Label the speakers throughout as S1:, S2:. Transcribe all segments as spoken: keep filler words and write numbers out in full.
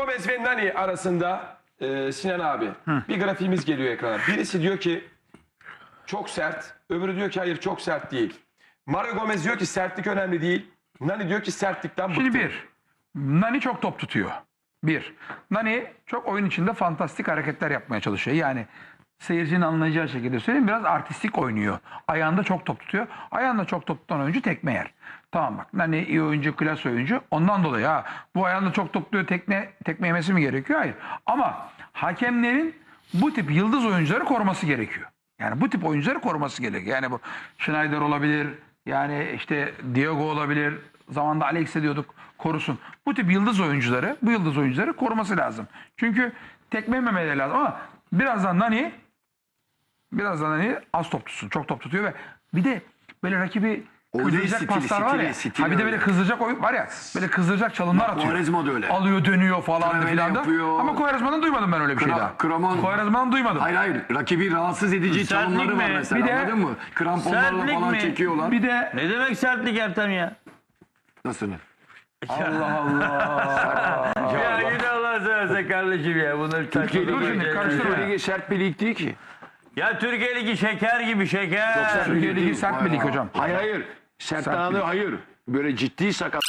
S1: Gomez ve Nani arasında e, Sinan abi bir grafiğimiz geliyor ekrana. Birisi diyor ki çok sert, öbürü diyor ki hayır çok sert değil. Mario Gomez diyor ki sertlik önemli değil. Nani diyor ki sertlikten bıktım.
S2: Şimdi bir, Nani çok top tutuyor. Bir, Nani çok oyun içinde fantastik hareketler yapmaya çalışıyor. Yani seyircinin anlayacağı şekilde söyleyeyim, biraz artistik oynuyor. Ayağında çok top tutuyor. Ayağında çok top tutan oyuncu tekme yer. Tamam bak, Nani iyi oyuncu, klas oyuncu. Ondan dolayı ha bu ayağında çok top tutuyor, tekne, tekme yemesi mi gerekiyor? Hayır. Ama hakemlerin bu tip yıldız oyuncuları koruması gerekiyor. Yani bu tip oyuncuları koruması gerekiyor. Yani bu Schneider olabilir, yani işte Diego olabilir. Zamanında Alex'e diyorduk korusun. Bu tip yıldız oyuncuları, bu yıldız oyuncuları koruması lazım. Çünkü tekme yememeleri lazım ama birazdan Nani birazdan Nani az top tutsun. Çok top tutuyor ve bir de böyle rakibi kızdıracak
S3: stili,
S2: paslar var
S3: stili,
S2: ya.
S3: stili
S2: Ha bir de böyle
S3: öyle.
S2: kızdıracak oyun var ya. Böyle kızdıracak çalımlar atıyor.
S3: Quaresma da öyle.
S2: Alıyor, dönüyor falan
S3: Travele
S2: filan da.
S3: yapıyor.
S2: Ama Quaresma'dan duymadım ben öyle bir şey
S3: Kra-
S2: daha.
S3: Kramon.
S2: Quaresma'dan duymadım.
S3: Hayır hayır. Rakibi rahatsız edici
S4: Sertlik
S3: çalımları var
S4: mi?
S3: mesela.
S2: Bir de-
S3: Anladın mı? Kramponlarla
S4: Sertlik
S3: falan
S4: mi?
S3: çekiyorlar.
S2: Bir de
S4: Ne demek sertlik Ertem ya?
S3: Nasıl?
S2: Allah Allah.
S4: Ya yine Allah seversen kardeşim ya. Bunları
S2: Dur şimdi karıştırma.
S3: Ligi sert bir lig değil ki.
S4: Ya Türkiye Ligi şeker gibi şeker.
S2: Türkiye Ligi sert bir lig hocam.
S3: Hayır hayır. Sert
S2: Sert
S3: anı
S2: bir lig.
S3: hayır. Böyle ciddi sakat.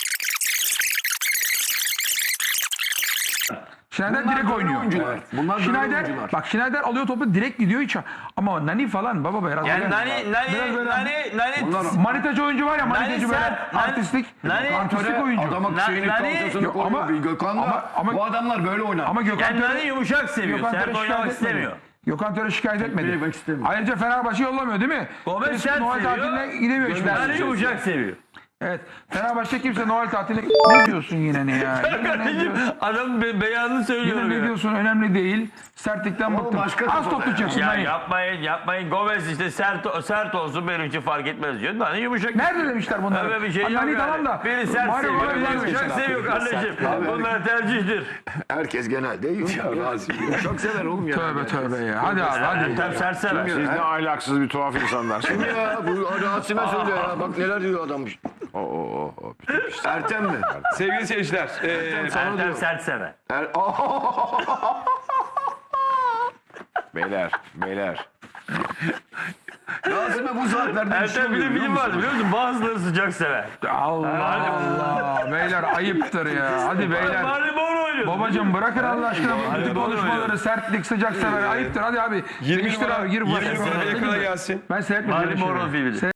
S2: Schneider
S3: Bunlar
S2: direkt
S3: böyle
S2: oynuyor.
S3: oyuncular.
S2: Evet.
S3: Bunlar böyle
S2: Schneider,
S3: oyuncular.
S2: bak Schneider alıyor topu direkt gidiyor hiç. Ama Nani falan baba be.
S4: Yani
S2: Yani
S4: Nani,
S2: Biraz
S4: Nani,
S2: böyle-
S4: Nani, Nani,
S3: Bunlar-
S2: Manitacı oyuncu var ya, manitacı böyle
S4: sert, Nani-
S2: artistik,
S4: Nani-
S2: artistik oyuncu.
S3: Adama
S4: Na-
S3: şeyini
S4: Nani-
S3: kalçasını
S2: Yok,
S3: koyuyor.
S2: ama-
S3: Bir Gökhan da
S2: ama- ama-
S3: bu adamlar böyle oynar.
S2: Ama Gökhan
S4: yani
S2: Töre,
S4: Nani yumuşak seviyor.
S2: Gökhan
S4: Sert
S2: Töre
S4: oynamak
S2: şikayet
S4: istemiyor.
S2: etmedi. Gökhan Töre şikayet etmedi.
S3: Etmemek istemiyor.
S2: Ayrıca Fenerbahçe yollamıyor değil mi?
S4: Gomez
S2: Birisi
S4: sert
S2: Noel
S4: seviyor.
S2: tatiline gidemiyor hiçbir
S4: Nani
S2: yere.
S4: yumuşak seviyor.
S2: Evet. Fenerbahçe kimse Noel tatiline... Ne diyorsun yine ne ya? Yine ne
S4: Kardeşim
S2: diyorsun?
S4: adam be beyanını söylüyor.
S2: Yine ne
S4: ya.
S2: diyorsun? Önemli değil. Sertlikten
S3: O
S2: bıktım.
S3: başka
S2: Az
S3: kafada
S2: top tutacaksın.
S4: Ya
S2: Nani.
S4: yapmayın yapmayın. Gomez işte sert sert olsun benim için fark etmez diyor. Nani yumuşak.
S2: Nerede demişler bunları?
S4: Öyle bir şey
S2: Ha,
S4: yok
S2: Nani
S4: yani.
S2: tamam da.
S4: Biri sert
S2: Mario
S4: seviyor,
S2: Gomez
S4: biri
S2: var
S4: yumuşak
S2: mesela.
S4: seviyor kardeşim.
S3: Abi.
S4: Bunlar tercihtir.
S3: Herkes genelde yumuşak. Çok sever oğlum ya.
S2: Tövbe tövbe ya. Hadi abi hadi.
S4: Ertem sert sever.
S5: Siz ne ahlaksız bir tuhaf insanlarsınız.
S3: Ya bu Rasim'e söylüyor ya. Bak neler diyor adam.
S5: Oo, oo, oo.
S3: Ertem mi?
S1: Sevgili seyirciler, e,
S4: Ertem sert sever.
S3: Er...
S5: Beyler, beyler.
S3: Rasim'e bu saatlerde bir şey
S4: Ertem bir de
S3: oluyor, biliyor
S4: film
S3: musun?
S4: vardı biliyor musun? Bazıları sıcak sever.
S2: Allah Allah. Beyler ayıptır ya. Hadi beyler.
S4: Mario Boro oynuyor.
S2: Babacım bırakın Allah aşkına bu
S4: Hadi
S2: bütün
S4: bana
S2: konuşmaları,
S4: öyle.
S2: sertlik, sıcak sever. Ayıptır. Hadi abi.
S1: yirmi
S2: Değiştir
S1: numara,
S2: abi. Gir
S1: yirmi
S2: başına.
S1: numara ekrana gelsin.
S2: Ben seyretmedim.
S4: Mario
S2: öyle şeyleri.
S4: Boro filmi.